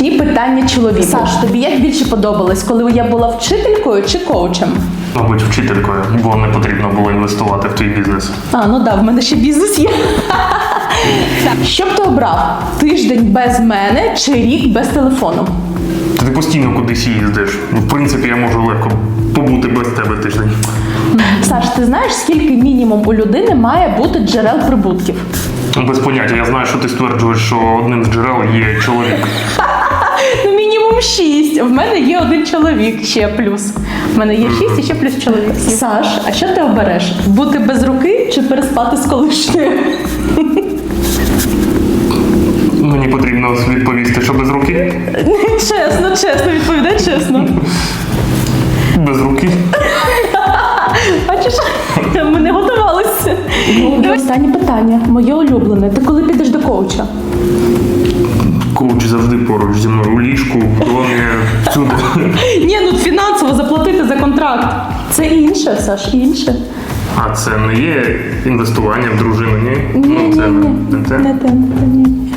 Незручні питання чоловіку. Саш, тобі як більше подобалось, коли я була вчителькою чи коучем? Мабуть, вчителькою, бо не потрібно було інвестувати в твій бізнес. Ну да, в мене ще бізнес є. Що б ти обрав? Тиждень без мене чи рік без телефону? Ти постійно кудись їздиш. В принципі, я можу легко побути без тебе тиждень. Саш, ти знаєш, скільки мінімум у людини має бути джерел прибутків? Без поняття. Я знаю, що ти стверджуєш, що одним з джерел є чоловік. Ну, мінімум 6. В мене є один чоловік ще плюс. В мене є 6 і ще плюс чоловік. Саш, а що ти обереш? Бути без руки чи переспати з колишньою? Мені потрібно відповісти, що без руки. Чесно, відповідай чесно. Без руки. Бачиш, ми не готувалися. Останнє питання, моє улюблене. Ти коли підеш до коуча? Коуч завжди поруч зі мною у ліжку, в домі, всюди. Ні, ну фінансово заплатити за контракт. Це інше, Саш, інше. А це не є інвестування в дружину, ні? Ні, Це не те. не те, ні.